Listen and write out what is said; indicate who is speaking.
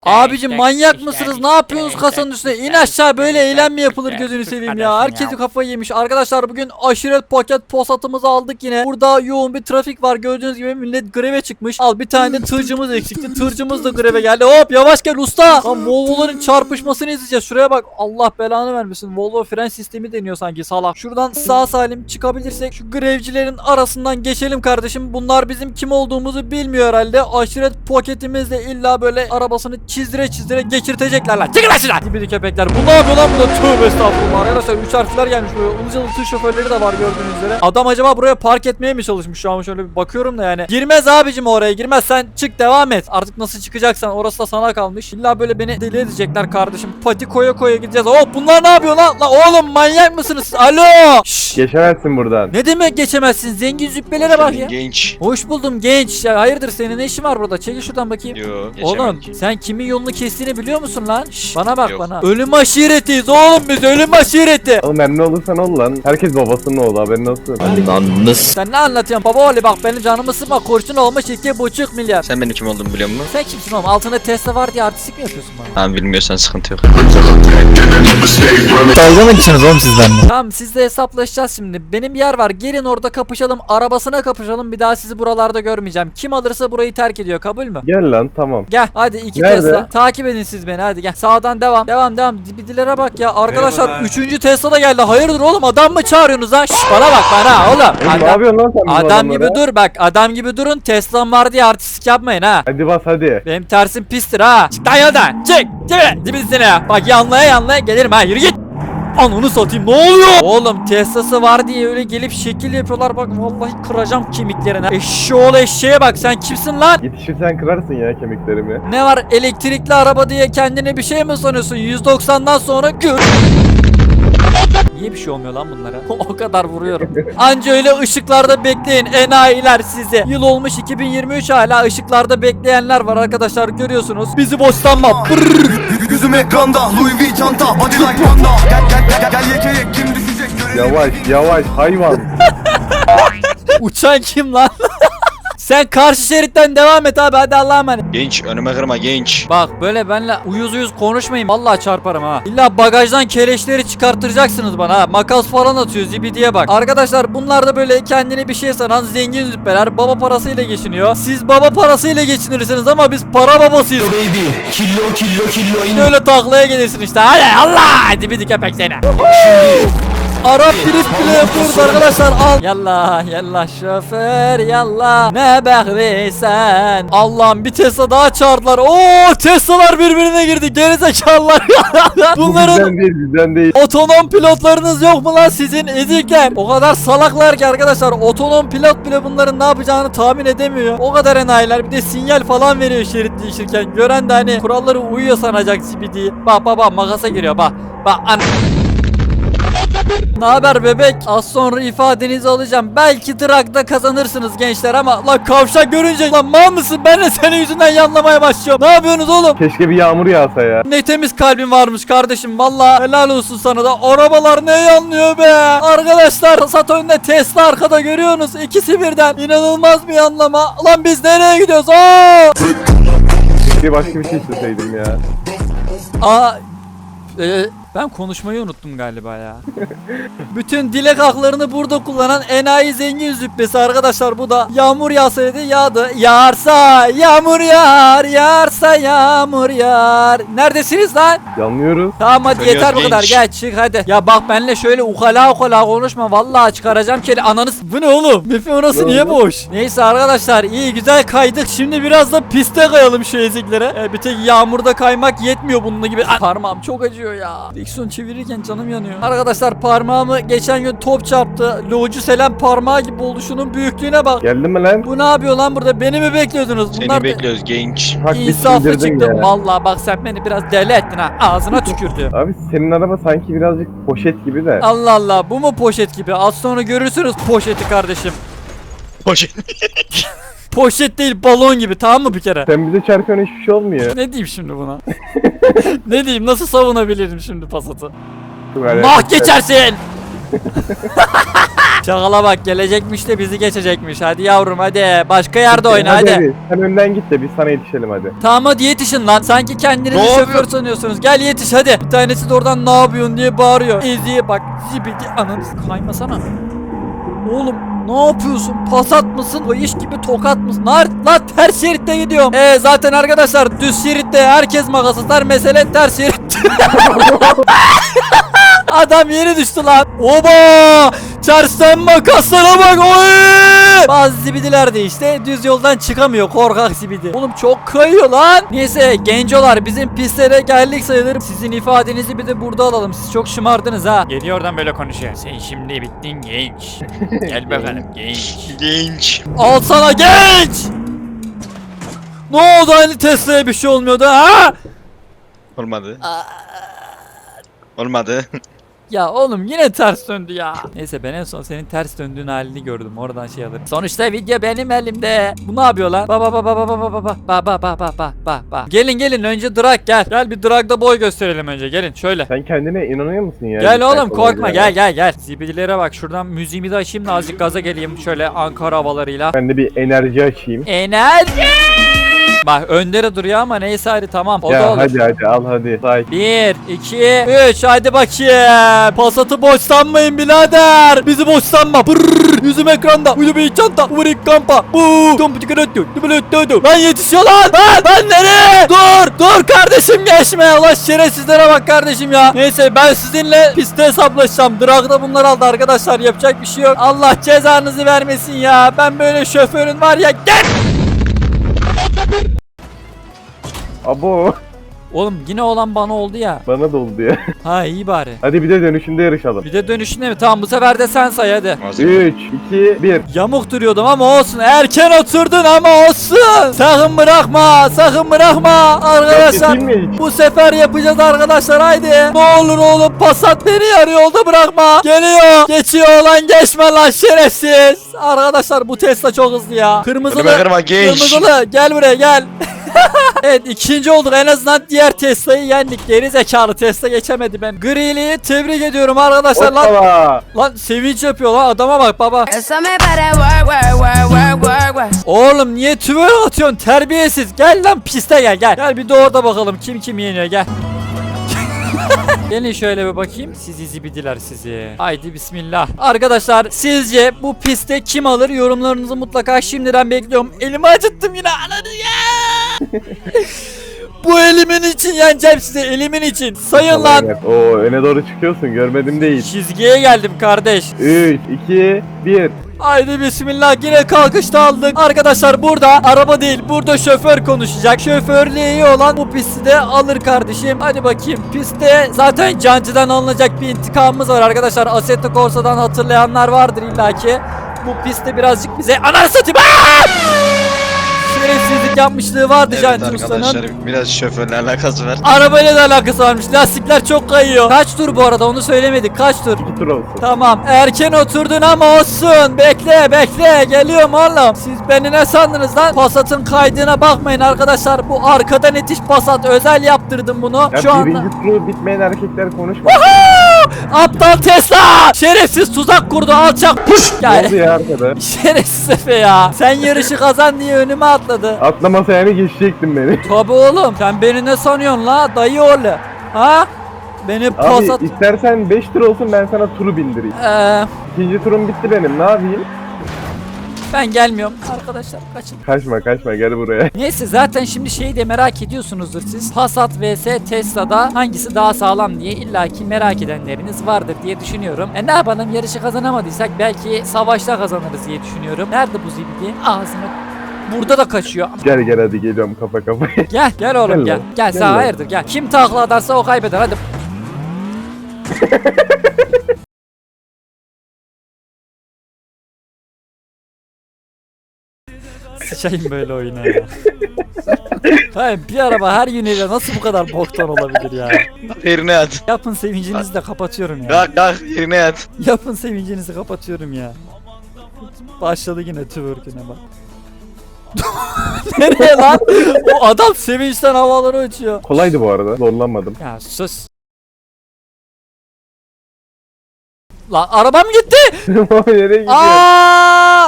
Speaker 1: Abicim manyak mısınız? Ne yapıyorsunuz kasanın üstüne? İn aşağı, böyle eylem mi yapılır gözünü seveyim ya. Herkesi kafayı yemiş. Arkadaşlar bugün aşiret paket posatımızı aldık yine. Burada yoğun bir trafik var. Gördüğünüz gibi millet greve çıkmış. Al bir tane de tırcımız eksikti. Tırcımız da greve geldi. Hop yavaş gel usta. Lan Volvo'ların çarpışmasını izleyeceğiz. Şuraya bak. Allah belanı vermesin. Volvo fren sistemi deniyor sanki salak. Şuradan sağ salim çıkabilirsek şu grevcilerin arasından geçelim kardeşim. Bunlar bizim kim olduğumuzu bilmiyor herhalde. Aşiret paketimizle illa böyle arabasını çizdire geçirtecekler lan. Çıkın lan şuradan. Dibidi köpekler. Bu ne yapıyor lan burada? Tövbe estağfurullah. Arkadaşlar 3 harfler gelmiş böyle. Ilıcalı tır şoförleri de var gördüğünüz üzere. Adam acaba buraya park etmeye mi çalışmış? Şu an şöyle bir bakıyorum da yani. Girmez abicim oraya, girmez. Sen çık devam et. Artık nasıl çıkacaksan orası da sana kalmış. İlla böyle beni deli edecekler kardeşim. Pati koya gideceğiz. Hop bunlar ne yapıyor lan? La oğlum manyak mısınız? Alo. Şşş.
Speaker 2: Geçemezsin buradan.
Speaker 1: Ne demek geçemezsin? Zengin züppelere bak ya.
Speaker 3: Genç.
Speaker 1: Hoş buldum genç. Ya hayırdır, senin ne işin var burada? Çekil şuradan bakayım.
Speaker 3: Yo,
Speaker 1: Oğlum
Speaker 3: geçemedik.
Speaker 1: sen kimin yolunu kestiğini biliyor musun lan? Şş, bana bak
Speaker 3: Yok.
Speaker 1: bana. Ölüm aşiretiyiz oğlum biz, ölüm aşireti.
Speaker 2: Oğlum emmi olursan ol lan. Herkes babasının oğlu, haberin olsun.
Speaker 1: Sen ne anlatıyorsun baba oğlu, bak benim canımı sıkma, kurşun olmuş 2,5 milyar.
Speaker 3: Sen benim kim olduğumu biliyor musun?
Speaker 1: Sen kimsin oğlum? Altında Tesla var diye artistik mi yapıyorsun bana?
Speaker 3: Tamam, bilmiyorsan sıkıntı yok.
Speaker 4: Dalga mı geçiyorsunuz oğlum siz benimle?
Speaker 1: Tamam sizle hesaplaşacağız şimdi. Benim yer var, gelin orada kapışalım, arabasına kapışalım, bir daha sizi buralarda görmeyeceğim. Kim alırsa burayı terk ediyor, kabul mü?
Speaker 2: Gel lan, tamam.
Speaker 1: Gel hadi 2
Speaker 2: Nerede?
Speaker 1: Tesla. Takip edin siz beni, hadi gel. Sağdan devam. Dibidilere bak ya. Arkadaşlar
Speaker 5: Merhabalar.
Speaker 1: 3. Tesla da geldi. Hayırdır oğlum, adam mı çağırıyorsunuz lan? Şş, bana bak bana oğlum.
Speaker 2: Oğlum ne yapıyorsun lan sen bu
Speaker 1: Adam
Speaker 2: adamlara?
Speaker 1: gibi dur bak, adam gibi durun. Tesla'm var diye artistik yapmayın ha.
Speaker 2: Hadi bas hadi.
Speaker 1: Benim tersim pistir ha. Çık lan yoldan. Çık. Dibisine ya. Bak yanlaya gelirim ha. Yürü git. Ananı satayım, ne oluyor? Oğlum Tesla'sı var diye öyle gelip şekil yapıyorlar, bak vallahi kıracağım kemiklerine. Eşşoğlu eşeğe bak, sen kimsin lan?
Speaker 2: Yetişirsen kırarsın ya kemiklerimi.
Speaker 1: Ne var, elektrikli araba diye kendine bir şey mi sanıyorsun? 190'dan sonra gör. Niye bir şey olmuyor lan bunlara? O kadar vuruyorum. Anca öyle ışıklarda bekleyin enayiler sizi. Yıl olmuş 2023, hala ışıklarda bekleyenler var arkadaşlar, görüyorsunuz. Bizi boşlanma.
Speaker 5: Gözüm ekranda, Louis V çanta, body like panda. Gel yekeye, kim düşecek görelim.
Speaker 2: Yavaş hayvan.
Speaker 1: Uçan kim lan? Sen karşı şeritten devam et abi, hadi Allah'a emanet.
Speaker 3: Genç, önüme kırma genç.
Speaker 1: Bak böyle benle uyuz konuşmayın, vallahi çarparım ha. İlla bagajdan keleşleri çıkarttıracaksınız bana ha. Makas falan atıyor, zibidiye bak. Arkadaşlar bunlar da böyle kendini bir şey sanan zengin züppeler, baba parasıyla geçiniyor. Siz baba parasıyla geçinirsiniz ama biz para babasıyız. Killo öyle taklaya gelirsin işte. Hadi Allah, dibidi köpek seni. Arap drift bile yapıyoruz arkadaşlar, al. Yallah şoför yallah, ne bekliysen. Allah'ım bir Tesla daha çağırdılar. Oo, Tesla'lar birbirine girdi, gerizekalılar. Bunların
Speaker 2: Bizden değil.
Speaker 1: otonom pilotlarınız yok mu lan sizin ezikler? O kadar salaklar ki arkadaşlar, otonom pilot bile bunların ne yapacağını tahmin edemiyor. O kadar enayiler, bir de sinyal falan veriyor şerit değişirken. Gören de hani kuralları uyuyor sanacak zibidiyi. Bak makasa giriyor bak. Ne haber bebek? Az sonra ifadenizi alacağım. Belki Drak'ta kazanırsınız gençler ama lan kavşak görünce lan mal mısın? Ben de senin yüzünden yanlamaya başlıyorum. Ne yapıyorsunuz oğlum?
Speaker 2: Keşke bir yağmur yağsa ya.
Speaker 1: Ne temiz kalbin varmış kardeşim. Vallahi helal olsun sana da. Arabalar ne yanlıyor be? Arkadaşlar Passat önde, Tesla arkada, görüyorsunuz. İkisi birden. İnanılmaz bir yanlama. Lan biz nereye gidiyoruz?
Speaker 2: Bir başka bir şey isteseydim ya.
Speaker 1: Ben konuşmayı unuttum galiba ya. Bütün dilek haklarını burada kullanan enayi zengin züppesi arkadaşlar, bu da yağmur yağsaydı yağdı. Yağarsa yağmur yağar, yağarsa yağmur yağar. Neredesiniz lan?
Speaker 2: Yanlıyoruz.
Speaker 1: Tamam hadi
Speaker 3: Söylüyoruz
Speaker 1: yeter bu kadar,
Speaker 3: genç.
Speaker 1: gel çık hadi. Ya bak benimle şöyle ukala konuşma, vallahi çıkaracağım keli ananız. Bu ne oğlum? Mefi orası
Speaker 2: Ne
Speaker 1: niye
Speaker 2: oldu?
Speaker 1: boş? Neyse arkadaşlar, iyi güzel kaydık, şimdi biraz da piste kayalım şu eziklere. Bir tek yağmurda kaymak yetmiyor bunun gibi. Parmağım çok acıyor ya. Direksiyon çevirirken canım yanıyor. Arkadaşlar parmağımı geçen gün top çarptı. Loğucu Selam parmağı gibi oldu, şunun büyüklüğüne bak.
Speaker 2: Geldin mi lan?
Speaker 1: Bu ne yapıyor lan burada? Beni mi bekliyordunuz?
Speaker 3: Seni bekliyoruz genç.
Speaker 2: Hak bir
Speaker 1: İnsaflı
Speaker 2: sindirdin
Speaker 1: çıktı.
Speaker 2: ya.
Speaker 1: Vallahi bak sen beni biraz deli ettin ha. Ağzına tükürdü.
Speaker 2: Abi senin araba sanki birazcık poşet gibi de.
Speaker 1: Allah Allah, bu mu poşet gibi? Az sonra görürsünüz poşeti kardeşim.
Speaker 3: Poşet.
Speaker 1: Poşet değil, balon gibi, tamam mı bir kere?
Speaker 2: Sen bize çarpıyorsun, hiçbir şey olmuyor.
Speaker 1: Ne diyeyim şimdi buna? Ne diyeyim, nasıl savunabilirim şimdi Passat'ı?
Speaker 2: Çok alakasız.
Speaker 1: Nah geçersin! Çakala bak, gelecekmiş de bizi geçecekmiş. Hadi yavrum hadi. Başka yerde oyna hadi.
Speaker 2: Sen önden git de biz sana yetişelim hadi.
Speaker 1: Tamam hadi yetişin lan. Sanki kendinizi
Speaker 3: Ne
Speaker 1: şoför
Speaker 3: yapıyor?
Speaker 1: sanıyorsunuz. Gel yetiş hadi. Bir tanesi de oradan ne yapıyorsun diye bağırıyor. Eziye bak. Zibidi ananı kaymasana. Oğlum ne yapıyorsun? Pasat mısın? O iş gibi tokat mısın? Lan ters şeritte gidiyorum. Zaten arkadaşlar düz şeritte herkes makas atar. Mesele ters şerit. Adam yeni düştü lan. Oba! Tersten makaslara bak. Oy! Bazı zibidiler de işte düz yoldan çıkamıyor. Korkak zibidi. Oğlum çok kayıyor lan. Neyse gencolar, bizim pistlere geldik sayılır. Sizin ifadenizi bir de burada alalım. Siz çok şımardınız ha.
Speaker 6: Geliyor oradan böyle konuşuyor. Sen şimdi bittin genç. Gel bakalım genç.
Speaker 3: Genç.
Speaker 1: Al sana genç. Ne oldu, hani Tesla'ya bir şey olmuyordu ha?
Speaker 3: Olmadı. Olmadı.
Speaker 1: Ya oğlum yine ters döndü ya. Neyse ben en son senin ters döndüğün halini gördüm. Oradan şey alırım. Sonuçta video benim elimde. Bu ne yapıyor lan? Ba. Gelin önce drag gel. Gel bir dragda boy gösterelim önce. Gelin şöyle.
Speaker 2: Sen kendine inanıyor musun ya?
Speaker 1: Gel
Speaker 2: Sen
Speaker 1: oğlum
Speaker 2: kolay
Speaker 1: korkma,
Speaker 2: ya.
Speaker 1: gel. Zibidilere bak, şuradan müziğimi de açayım da azıcık gaza geleyim. Şöyle Ankara havalarıyla.
Speaker 2: Ben de bir enerji açayım.
Speaker 1: Enerji. Bak öndere duruyor ama neyse hadi tamam. O da
Speaker 2: Ya
Speaker 1: olur.
Speaker 2: hadi al hadi. Say.
Speaker 1: 1, 2, 3 hadi bakayım. Pasatı boş sanmayın birader. Bizi boş sanma. Brrr, yüzüm ekranda. Uydu bir çanta. Uğrik kampa. Lan yetişiyor lan nereye? Dur kardeşim geçme. Allah şerefsizlere bak kardeşim ya. Neyse ben sizinle pistte hesaplaşacağım. Drag'da bunlar aldı arkadaşlar. Yapacak bir şey yok. Allah cezanızı vermesin ya. Ben böyle şoförün var ya. Gel.
Speaker 2: Abo
Speaker 1: Oğlum yine olan bana oldu ya.
Speaker 2: bana da oldu ya.
Speaker 1: Ha iyi bari.
Speaker 2: Hadi bir de dönüşünde yarışalım.
Speaker 1: Bir de dönüşünde mi? Tamam bu sefer de sen say hadi.
Speaker 2: 3, 2, 1.
Speaker 1: Yamuk duruyordum ama olsun. Erken oturdun ama olsun. Sakın bırakma. Arkadaşlar
Speaker 2: Geçeyim mi hiç?
Speaker 1: bu sefer yapacağız arkadaşlar haydi. Ne olur oğlum Passat beni yarı yolda bırakma. Geliyor. Geçiyor lan, geçme lan şerefsiz. Arkadaşlar bu Tesla çok hızlı ya.
Speaker 3: Önüme kırma genç.
Speaker 1: Kırmızılı gel buraya gel. Evet ikinci olduk, en azından diğer Tesla'yı yendik. Geri zekalı Tesla geçemedi ben. Grili'yi tebrik ediyorum arkadaşlar lan.
Speaker 2: Hoppala.
Speaker 1: Lan sevinç yapıyor lan, adama bak baba.
Speaker 7: Eso me para work.
Speaker 1: Oğlum niye tüver atıyorsun terbiyesiz? Gel lan piste gel. Gel bir de orada bakalım kim yeniyor gel. Gelin şöyle bir bakayım. Sizi zibidiler sizi. Haydi bismillah. Arkadaşlar sizce bu pistte kim alır? Yorumlarınızı mutlaka şimdiden bekliyorum. Elimi acıttım yine. Ananı ya. Bu elimin için yeneceğim size. Elimin için. Sayın lan.
Speaker 2: Oo öne doğru çıkıyorsun, görmedim değil.
Speaker 1: Çizgiye geldim kardeş.
Speaker 2: 3, 2, 1.
Speaker 1: Haydi bismillah, yine kalkışta aldık. Arkadaşlar burada araba değil, burada şoför konuşacak. Şoförlüğü iyi olan bu pisti de alır kardeşim. Hadi bakayım, pistte zaten Cancı'dan alınacak bir intikamımız var arkadaşlar. Assetto Corsa'dan hatırlayanlar vardır illaki. Bu pistte birazcık bize ananı satayım. Şerefsizlik yapmışlığı vardı
Speaker 3: Evet
Speaker 1: Cancı Usta'nın.
Speaker 3: arkadaşlar biraz şoförle alakası var.
Speaker 1: Arabayla da alakası varmış. Lastikler çok kayıyor. Kaç tur bu arada onu söylemedik. Kaç tur?
Speaker 2: 2 tur olsun.
Speaker 1: Tamam. Erken oturdun ama olsun. Bekle. Geliyorum oğlum. Siz beni ne sandınız lan? Passat'ın kaydığına bakmayın arkadaşlar. Bu arkadan itiş Passat. Özel yaptırdım bunu.
Speaker 2: Ya
Speaker 1: Şu anda.
Speaker 2: birinci turu bitmeyen erkekler konuşma.
Speaker 1: Aptal Tesla! Şerefsiz tuzak kurdu alçak. Puş!
Speaker 2: Ne oldu
Speaker 1: Yani.
Speaker 2: ya arkada?
Speaker 1: Şerefsiz Efe ya. Sen yarışı kazan diye önüme atladı.
Speaker 2: Atlamasa yani geçecektin beni.
Speaker 1: Tabi oğlum. Sen beni ne sanıyorsun la? Dayı oğlu. Ha? Beni
Speaker 2: Abi
Speaker 1: Passat...
Speaker 2: istersen 5 tur olsun, ben sana turu bindireyim. İkinci turum bitti benim, ne yapayım?
Speaker 1: Ben gelmiyorum. Arkadaşlar kaçın.
Speaker 2: Kaçma gel buraya.
Speaker 1: Neyse zaten şimdi şeyi de merak ediyorsunuzdur siz. Passat vs Tesla'da hangisi daha sağlam diye illaki merak edenleriniz vardır diye düşünüyorum. Ne yapalım, yarışı kazanamadıysak belki savaşta kazanırız diye düşünüyorum. Nerede bu zibidi? Ağzını burada da kaçıyor.
Speaker 2: Gel hadi geliyorum kafa kafaya.
Speaker 1: Gel oğlum
Speaker 2: Gel
Speaker 1: gel.
Speaker 2: lan,
Speaker 1: Gel
Speaker 2: gel
Speaker 1: sen
Speaker 2: lan.
Speaker 1: hayırdır gel. Kim takla atarsa o kaybeder hadi. Sıçayım böyle oyuna ya. Hayır bir araba her yönüyle nasıl bu kadar boktan olabilir ya?
Speaker 3: Yerine at.
Speaker 1: Yapın sevincinizi de kapatıyorum ya.
Speaker 3: Kalk yerine at.
Speaker 1: Yapın sevincinizi kapatıyorum ya. Başladı yine twerk'üne bak. Nereye lan? O adam sevinçten havalara uçuyor.
Speaker 2: Kolaydı bu arada, zorlanmadım.
Speaker 1: Ya sus. Lan arabam gitti.
Speaker 2: Nereye gidiyorsun?
Speaker 1: Aa!